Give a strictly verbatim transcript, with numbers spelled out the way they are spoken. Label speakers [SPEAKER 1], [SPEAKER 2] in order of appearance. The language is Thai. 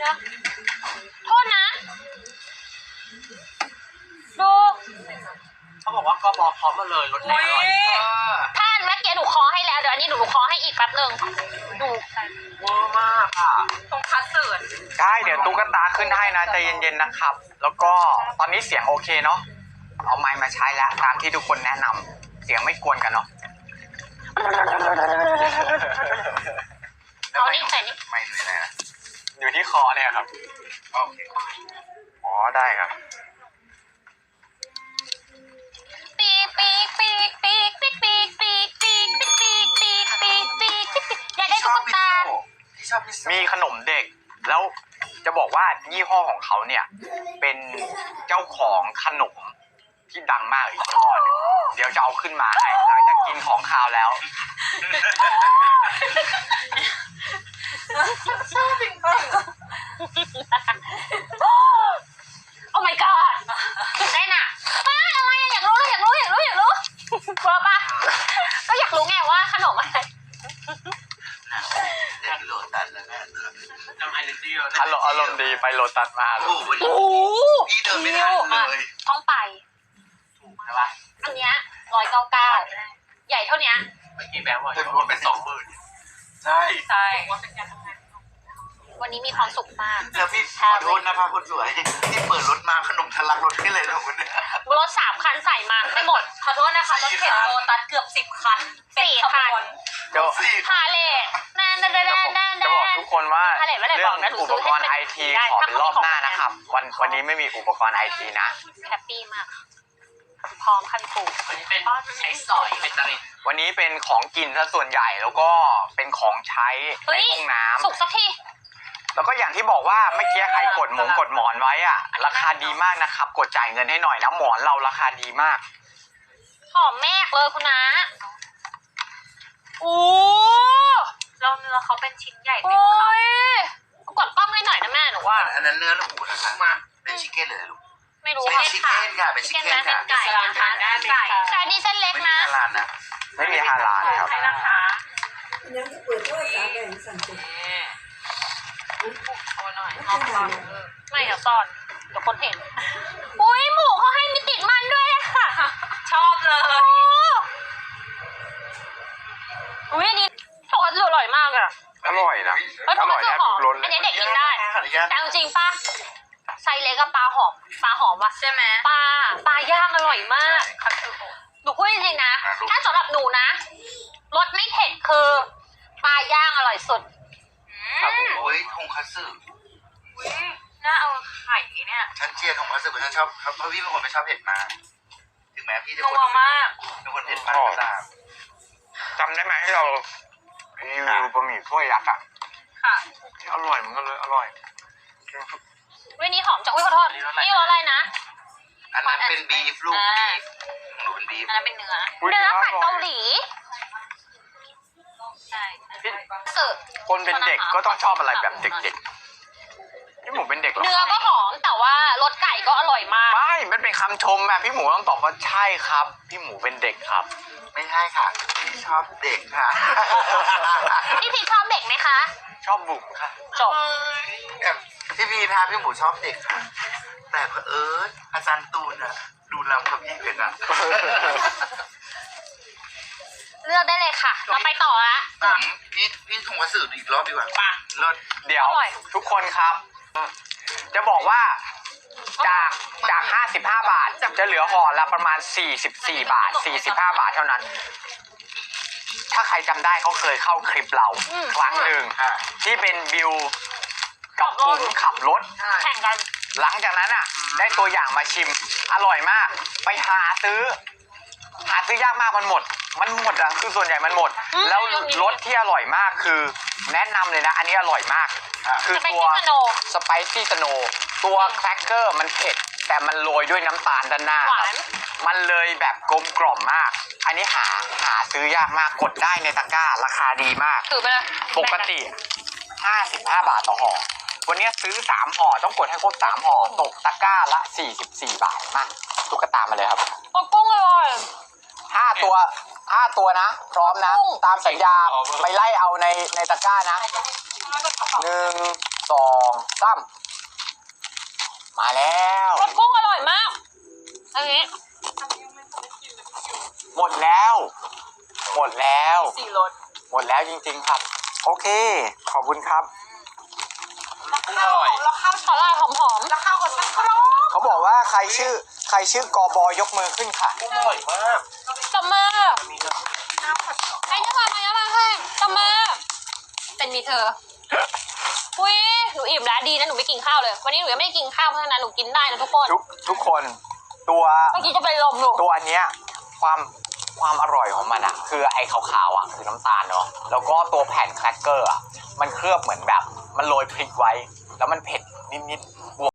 [SPEAKER 1] ดี๋ยวโทษนะดู
[SPEAKER 2] เขาบอกว่ากบพร้อมมาเลยรถแน่นอน
[SPEAKER 1] ท่านเมื่อกี้หนูคอให้แล้วเดี๋ยวอันนี้หนูคอให้อีกแป๊บนึงดู
[SPEAKER 2] เวอร์มากอ่ะ
[SPEAKER 1] ตรงคัสเสิร์ต
[SPEAKER 3] ใช่เดี๋ยวตุ๊กตาขึ้นให้นะใจเย็นๆนะครับแล้วก็ตอนนี้เสียงโอเคเนาะเอาไมค์มาใช้แล้วตามที่ทุกคนแนะนำเสียงไม่กวนกันเนาะ
[SPEAKER 1] เอานี่ใส่นี่
[SPEAKER 3] ไม่เลยนะอยู่ที่คอเนี่ยครับโอเคอ๋อได้ครับ
[SPEAKER 1] ปีกปีกปีกปีกปีกปีกปีกปีกปีกปีกปีกปีกปีกปีกอยากได้ตุ๊กตา
[SPEAKER 3] ที่ชอบมีขนมเด็กแล้วจะบอกว่ายี่ห้อของเขาเนี่ยเป็นเจ้าของขนมที่ดังมากอีกยี่ห้อนึงเดี๋ยวจะเอาขึ้นมาให้หลังจากกินของคาวแล้ว
[SPEAKER 1] ชอบจริงๆโอ้ my god ได้น่ะป้าอะไรอยากรู้เลยอยากรู้อยากรู้อยากรู้กลัวปะก็อยากรู้ไงว่าขนมอะไร
[SPEAKER 2] เล่นโลตัสแล้วแม่ทำไมเลยที่
[SPEAKER 3] อารมณ์อารมณ์ดีไปโลตัสมา
[SPEAKER 2] โอ้โหพี่เดินไม่ทันเลย
[SPEAKER 1] ต้องไป
[SPEAKER 2] ถูกใช่ปะ
[SPEAKER 1] อันเนี้ยร้อยเก้าเก้าใหญ่เท่านี้
[SPEAKER 2] เมื่อกี้แบงค์ว่าจะรวมเป็นสองหมื่นใช่
[SPEAKER 1] ใช่วันนี้มีความสุขมาก
[SPEAKER 2] แล้วพี่ขอโทษนะคะคนสวยที่เปิดรถมาขนมทะลักรถให้เลยนะคุณเนี่ย
[SPEAKER 1] รถสามคันใส่มาไม่หมดขอโทษนะคะรถเข็นโลตัสเกือบสิบคันสี่คัน
[SPEAKER 3] เดี๋ยว
[SPEAKER 1] พาเลทนั่นนั่นนั่นนั่น
[SPEAKER 3] จะบอกทุกคนว่าเรื่องอุปกรณ์ไอทีขอเป็นรอบหน้านะครับวันวันนี้ไม่มีอุปกรณ์ไอทีนะ
[SPEAKER 1] แฮปปี้มากพร้อมคันปู
[SPEAKER 2] วันนี้เป็นใช้สอยเป็นตริน
[SPEAKER 3] วันนี้เป็นของกินซะส่วนใหญ่แล้วก็เป็นของใช้ในห้องน้ำ
[SPEAKER 1] สุกสักที
[SPEAKER 3] แล้วก็อย่างที่บอกว่าเมื่อกี้ใครกดหมงกดหมอนไว้อะราคาดีมากนะครับกดจ่ายเงินให้หน่อยนะหมอนเราราคาดีมาก
[SPEAKER 1] หอมแม่เลยคุณนะโอ้เราเนื้อเขาเป็นชิ้นใหญ่เต็มคำกดกล้องให้หน่อยนะแม่หนูว่า
[SPEAKER 2] อันนั้นเนื้อหมูนะคะมาเป็นชิคเก้นเลยลูก
[SPEAKER 1] ไม่รู้
[SPEAKER 2] เป็นชิคเก้นค่ะเป็นชิคเก้นค่ะ
[SPEAKER 1] ไก่นะคะไก่ไก่นี่เส้นเล็กนะ
[SPEAKER 2] ไม่มีฮาลาลนะ
[SPEAKER 3] ไม่มีฮาลาลครับ
[SPEAKER 4] ยังเปิดตัวสาแบ่งสั่งตัว
[SPEAKER 1] ไม่เดี๋ยวซ่อนเดี๋ยวคนเห็นอุ้ยหมูเขาให้มีติดมันด้วยค่ะชอบเลยอุ้ยอันนี้ทอดอร่อยมากอะ
[SPEAKER 3] อร่อยนะอร่อยแทบทุกรสเลย
[SPEAKER 1] อันนี้เด็กกินได้แต่จริงป่ะไซเล็กกับปลาหอมปลาหอมวะใช่ไหมปลาปลาย่างอร่อยมากหนูพูดจริงๆนะถ้าสำหรับหนูนะรสไม่เผ็ดคือปลาย่างอร่อยสุด
[SPEAKER 2] ครับผมโอ้ยทงคัตสึ
[SPEAKER 1] น่าเอาไข่เนี่ย
[SPEAKER 2] ฉันเชียร์ทงคัตสึเพราะฉันชอบเพราะพี่เป็นคนไม่ชอบเผ็ดมากถึงแม้พี่จะ
[SPEAKER 1] คนมาก
[SPEAKER 2] เป็นคนเผ็ดมากก็ตาม
[SPEAKER 3] จำได้ไหมที่เรารีวิวบะหมี่ถ้วยยักษ์อ่ะ
[SPEAKER 1] ค่ะ
[SPEAKER 3] อร่อยมันก็เลยอร่อย
[SPEAKER 1] วันนี้หอมจังอุ้ยขอโทษนี่รสอะไรนะ
[SPEAKER 2] อันนั้นเป็นบีฟลูกบีฟหนูเป็นบีฟ
[SPEAKER 1] อันนั้นเป็นเนื้อเนื้อผัดเกาหลีใช่
[SPEAKER 3] คนเป็นเด็กก็ต้องชอบอะไรแบบเด็กๆพี่หมูเป็นเด็กหรอ
[SPEAKER 1] เนื้อก็หอมแต่ว่ารสไก่ก็อร่อยมาก
[SPEAKER 3] ไม่มันเป็นคำชมอะพี่หมูต้องตอบว่าใช่ครับพี่หมูเป็นเด็กครับ
[SPEAKER 2] ไม่ใช่ค่ะพี่ชอบเด็กค่ะ
[SPEAKER 1] พี่พีชอบเด็กไหมคะ
[SPEAKER 3] ชอบบุ๋มค่ะ
[SPEAKER 1] จบ
[SPEAKER 2] พี่พีทาพี่หมูชอบเด็กค่ะแต่เผอิญอาจารย์ตูนอะดูล้ำกับพี่เป็นอะ
[SPEAKER 1] เลือกได้เลยค่ะเราไปต่อละ
[SPEAKER 2] พี่พี่ทงวัสดุอีกรอบดีกว่าป่ะรถ
[SPEAKER 3] เดี๋ยวทุกคนครับจะบอกว่าจากจากห้าสิบห้าบาทจะเหลือห่อละประมาณสี่สิบสี่บาทสี่สิบห้าบาทเท่านั้นถ้าใครจำได้เขาเคยเข้าคลิปเราครั้งหนึ่งที่เป็นบิวกับผมขับรถ
[SPEAKER 1] แข่งกัน
[SPEAKER 3] หลังจากนั้นอ่ะได้ตัวอย่างมาชิมอร่อยมากไปหาซื้อหาซื้อยากมากมันหมดมันหมดอ่ะคือส่วนใหญ่มันหมดแล้วรสที่อร่อยมากคือแนะนำเลยนะอันนี้อร่อยมากคือตัวสไปซี่สโนตัวแครกเกอร์มันเผ็ดแต่มันโรยด้วยน้ำตาลด้านหน้ามันเลยแบบกลมกล่อมมากอันนี้หาหาซื้อยากมากกดได้ในตะกร้าราคาดีมากปกติห้าสิบห้าบาทต่อห่อวันนี้ซื้อสามห่อต้องกดให้ครบสามห่อตกตะกร้าละสี่สิบสี่บาทมาตุ๊กตามาเลยครับ
[SPEAKER 1] กุ้งอร่อย
[SPEAKER 3] ห้าตัวห้าตัวนะพร้อมนะตามสัญญาไปไล่เอาในในตะกร้านะหนึ่งสองสามามมาแล้ว
[SPEAKER 1] รสกุ้งอร่อยมากอันนี้
[SPEAKER 3] หมดแล้ว หมดแล้ว
[SPEAKER 1] สี่รส
[SPEAKER 3] หมดแล้วจริงๆครับ โอเค ขอบคุณครับ
[SPEAKER 1] ข้าวแล้วข้าวสาลายหอมๆแล้วข้าวกับสักครบ
[SPEAKER 3] เขาบอกว่าใครชื่อใครชื่อกอบอยกมือขึ้นค่ะ
[SPEAKER 2] อร่อยมาก
[SPEAKER 1] ตบมือ
[SPEAKER 2] มีเนอะ
[SPEAKER 1] ใครจะมาใครจะมาให้ตบมือเป็นมีเธออุ้ยหนูอิ่มแล้วดีนะหนูไม่กินข้าวเลยวันนี้หนูยังไม่ได้กินข้าวเพราะฉะนั้นหนูกินได้นะทุกคน
[SPEAKER 3] ทุกทุกคนตัว
[SPEAKER 1] เมื่อกี้จะเป็นลมหนู
[SPEAKER 3] ตัวเนี้ยความความอร่อยของมันอะคือไอ้ขาวๆอะคือน้ำตาลเนาะแล้วก็ตัวแผ่นแครกเกอร์อะมันเคลือบเหมือนแบบมันโรยพริกไว้ แล้วมันเผ็ดนิดๆ